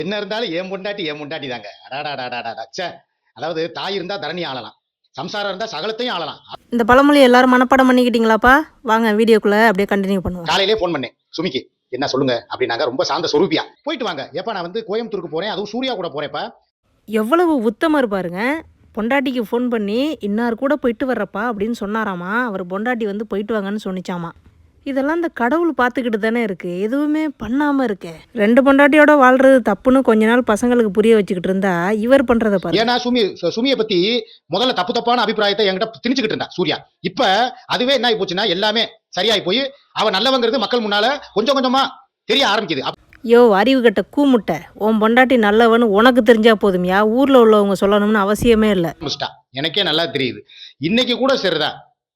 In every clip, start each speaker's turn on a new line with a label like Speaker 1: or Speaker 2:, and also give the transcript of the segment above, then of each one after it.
Speaker 1: என்ன இருந்தாலும் என் பொண்டாட்டி தாங்க. அடாடாடாடாடா ச்சே! அதாவது தாய் இருந்தா தரணி ஆளலாம். சம்சாரம் இருந்தா சகலத்தையும் ஆளலாம்.
Speaker 2: இந்த பழமொழி எல்லாரும் மனப்பாடம் பண்ணிக்கிட்டீங்களாப்பா? வாங்க வீடியோக்குள்ள அப்படியே கண்டினியூ பண்ணுவோம்.
Speaker 1: காலையிலே ஃபோன் பண்ணேன் சுமிக்கு. என்ன சொல்லுங்க அப்படின்னாங்க. ரொம்ப சாந்த சொரூபியா. போயிட்டு வாங்க. ஏப்பா நான் வந்து கோயம்புத்தூருக்கு போறேன். அதுவும் சூர்யா கூட போறேன்ப்பா.
Speaker 2: எவ்வளவு உத்தமர் பாருங்க. பொண்டாட்டிக்கு ஃபோன் பண்ணி இன்னார் கூட போயிட்டு வர்றப்பா அப்படின்னு சொன்னாராமா. அவர் பொண்டாட்டி வந்து போயிட்டு வாங்கன்னு சொன்னிச்சாமா. இதெல்லாம் இந்த கடவுள் பார்த்துக்கிட்டு தானே இருக்குது, எதுவுமே பண்ணாமல் இருக்கே. 2 பொண்டாட்டியோட வாழ்றது தப்புன்னு கொஞ்ச நாள் பசங்களுக்கு புரிய வச்சுக்கிட்டு இருந்தா இவர் பண்ணுறத பாரு.
Speaker 1: ஏன்னா சுமியை பத்தி முதல்ல தப்பான அபிப்பிராயத்தை என்கிட்ட திணிச்சுக்கிட்டு இருந்தா சூர்யா. இப்ப அதுவே என்ன ஆகி போச்சுன்னா எல்லாமே சரியாயி போய் அவ நல்லவங்கிறது மக்கள் முன்னால கொஞ்சம் கொஞ்சமா தெரிய ஆரம்பிக்குது.
Speaker 2: யோ அறிவு கட்ட கூமுட்டை, உன் பொண்டாட்டி நல்லவன்னு உனக்கு தெரிஞ்சா போதுமையா, ஊரில் உள்ளவங்க சொல்லணும்னு அவசியமே இல்லை.
Speaker 1: எனக்கே நல்லா தெரியுது. இன்னைக்கு கூட சரிதான்,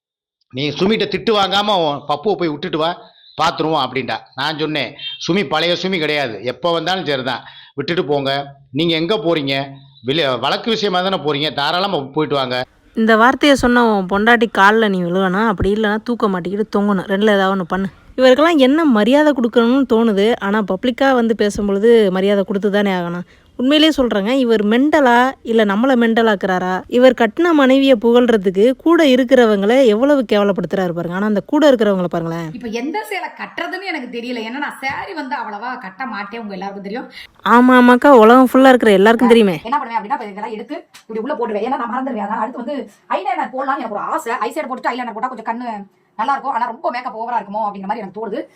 Speaker 1: நீ சுமிட்ட திட்டு வாங்காம பப்புவை போய் விட்டுட்டு வா பார்த்துருவோம் அப்படின்ட்டா. நான் சொன்னேன் சுமி பழைய சுமி கிடையாது, எப்போ வந்தாலும் சரிதான், விட்டுட்டு போங்க. நீங்க எங்க போறீங்க? வழக்கு விஷயமா தானே போறீங்க, தாராளமா போயிட்டு வாங்க.
Speaker 2: இந்த வார்த்தையை சொன்ன உன் பொண்டாட்டி காலில் நீ விழுவணும், அப்படி இல்லைன்னா தூக்க மாட்டிக்கிட்டு தொங்கணும், 2ல் ஏதாவது ஒன்று பண்ணு. இவருக்கெல்லாம் என்ன மரியாதை கொடுக்கணும்னு தோணுது. ஆனால் பப்ளிக்காக வந்து பேசும்பொழுது மரியாதை கொடுத்து தானே ஆகணும். உண்மையிலே சொல்கிறேங்க, இவர் மெண்டலா இல்லை நம்மளை மெண்டலாக்குறாரா? இவர் கட்டின மனைவியை புகழ்றதுக்கு கூட இருக்கிறவங்களை எவ்வளவு கேவலப்படுத்துறாரு பாருங்க. ஆனால் அந்த கூட இருக்கிறவங்களை பாருங்களேன்.
Speaker 3: இப்போ எந்த சேலை கட்டுறதுன்னு எனக்கு தெரியல. ஏன்னா நான் சாரி வந்து அவ்வளவா கட்ட மாட்டேன், உங்க எல்லாருக்கும் தெரியும்.
Speaker 2: ஆமாம் ஆமாக்கா, உலகம் ஃபுல்லாக இருக்கிற எல்லாருக்கும் தெரியுமே.
Speaker 3: என்ன பண்ணுவேன் அப்படின்னா இதெல்லாம் எடுத்து இப்படி உள்ள போட்டுவேன். ஏன்னா நான் மறந்துடுவேன். அதான் அடுத்து வந்து ஐலைனர் போடலாம்னு எனக்கு ஒரு ஆசை. ஐசைட் போட்டு ஐலைனர் போட்டால் கொஞ்சம் கண்ணு நல்லா இருக்கும். ஆனால் ரொம்ப மேக்கப் ஓவரா இருக்குமோ அப்படிங்கிற மாதிரி எனக்கு தோணுது.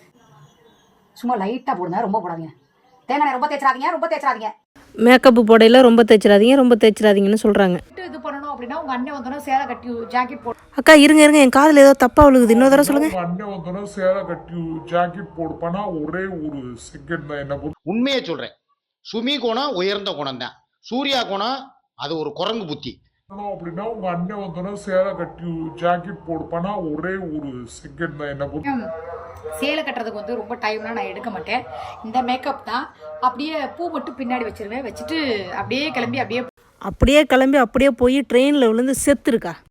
Speaker 3: சும்மா லைட்டாக போடுங்க, ரொம்ப போடாதீங்க. தேங்காய் ரொம்ப தேய்ச்சிடாதீங்க.
Speaker 2: மேக்கப்பு போடையில் ரொம்ப தேய்ச்சிடாதீங்கன்னு சொல்கிறாங்க.
Speaker 3: இது பண்ணணும் அப்படின்னா உங்க அண்ணன் வந்தோன்னா சேலை கட்டி ஜாக்கெட் போடு.
Speaker 2: அக்கா இருங்க என் காதில் ஏதோ தப்பா விழுகுது, இன்னொரு தடவை சொல்லுங்க.
Speaker 4: அண்ணன் வந்தோன்னா சேலை கட்டி ஜாக்கெட் போடுப்பானா ஒரே ஒரு செகண்ட் தான். என்ன
Speaker 1: உண்மையை சொல்றேன், சுமி குணம் உயர்ந்த குணம் தான், சூர்யா குணம் அது ஒரு குரங்கு புத்தி.
Speaker 4: அப்படின்னா உங்க அண்ணன் வந்தோன்னா சேலை கட்டி ஜாக்கெட் போடுப்பானா ஒரே ஒரு செகண்ட் தான். என்ன
Speaker 3: சேலை கட்டுறதுக்கு வந்து ரொம்ப டைம்லாம் நான் எடுக்க மாட்டேன். இந்த மேக்கப் தான். அப்படியே பூ மட்டும் பின்னாடி வச்சிருவேன். வச்சுட்டு அப்படியே கிளம்பி அப்படியே
Speaker 2: போய் ட்ரெயினில் விழுந்து செத்துருக்கா.